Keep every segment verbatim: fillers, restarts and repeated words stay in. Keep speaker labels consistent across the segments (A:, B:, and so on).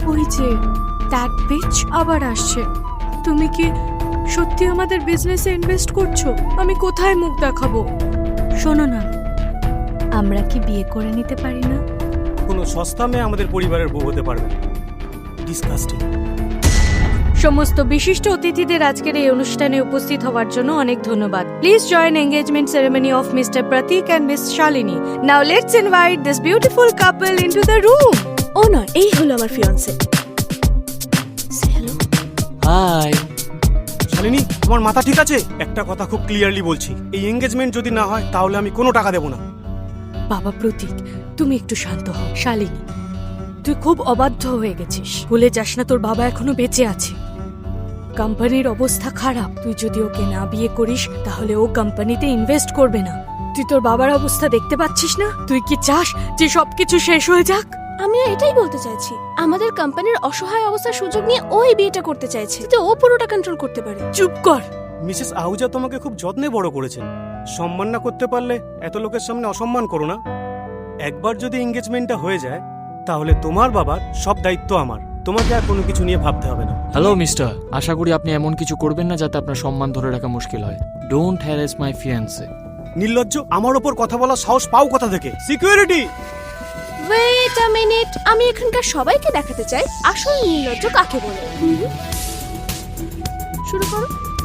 A: ওই যে that beach আবার আসছে। তুমি কি সত্যি আমাদের বিজনেসে ইনভেস্ট করছো? আমি কোথায় মুখ দেখাবো? শোনো না, আমরা কি বিয়ে করে নিতে পারি না?
B: কোনো সস্তা মেয়ে আমাদের পরিবারের বউ হতে পারবে না। ডিসকাস্টিং।
A: সমস্ত বিশিষ্ট অতিথিদের আজকের এই অনুষ্ঠানে উপস্থিত হওয়ার জন্য অনেক ধন্যবাদ। Please join engagement ceremony of mister Prateek and miss Shalini. Now let's invite this beautiful couple into the room.
C: ও নয়, এই হলো আমার ফিয়ান্সে। হ্যালো।
D: হাই।
B: শালিনী, তোমার মাথা ঠিক আছে? একটা কথা খুব ক্লিয়ারলি বলছি, এই এঙ্গেজমেন্ট যদি না হয় তাহলে আমি কোনো টাকা দেবো না।
A: বাবা প্রতীক, তুমি একটু শান্ত হও। শালিনী, তুই খুব অবাধ্য হয়ে গেছিস। ভুলে যাস না তোর বাবা এখনো বেঁচে আছে। কোম্পানির অবস্থা খারাপ। তুই যদি ওকে না বিয়ে করিস তাহলে ও কোম্পানিতে ইনভেস্ট করবে না। তুই তোর বাবার অবস্থা দেখতে পাচ্ছিস না? তুই কি চাস যে সবকিছু শেষ হয়ে যাক?
C: আমি এটাই বলতে চাইছি, আমাদের কোম্পানির অসহায় অবস্থার সুযোগ নিয়ে ওই বিয়েটা করতে চাইছে, যাতে ও পুরোটা কন্ট্রোল করতে পারে।
A: চুপ কর।
B: মিসেস আহুজা তোমাকে খুব যত্নে বড় করেছেন। সম্মান না করতে পারলে এত লোকের সামনে অসম্মান করো না। একবার যদি এঙ্গেজমেন্টটা হয়ে যায় তাহলে তোমার বাবার সব দায়িত্ব আমার। তোমাকে আর কোনো কিছু নিয়ে ভাবতে হবে না।
D: হ্যালো মিস্টার, আশা করি আপনি এমন কিছু করবেন না যাতে আপনার সম্মান ধরে রাখা মুশকিল হয়। Don't harass my fiancee.
B: নির্লজ্জ, আমার ওপর কথা বলার সাহস পাও কোথা থেকে? সিকিউরিটি!
C: ওয়েট আ মিনিট, আমি এখানকার সবাইকে দেখাতে চাই আসল নির্লজ্জ কাকে বলে। হুম। শুরু করো।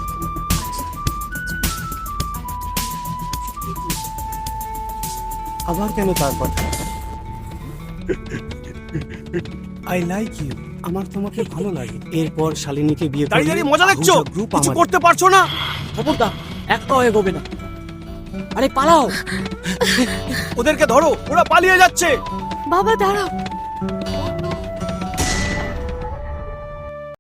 B: আবার কেন তার কথা? I like you. আমার তোমাকে ভালো লাগে। এরপর শালিনীকে বিয়ে দাঁড়িয়ে দাঁড়িয়ে মজা দেখছো? কিছু করতে পারছো না?
D: খবরদার, একটা এগোবে না। আরে পালাও।
B: ওদেরকে ধরো, ওরা পালিয়ে যাচ্ছে।
A: বাবা দাঁড়াও।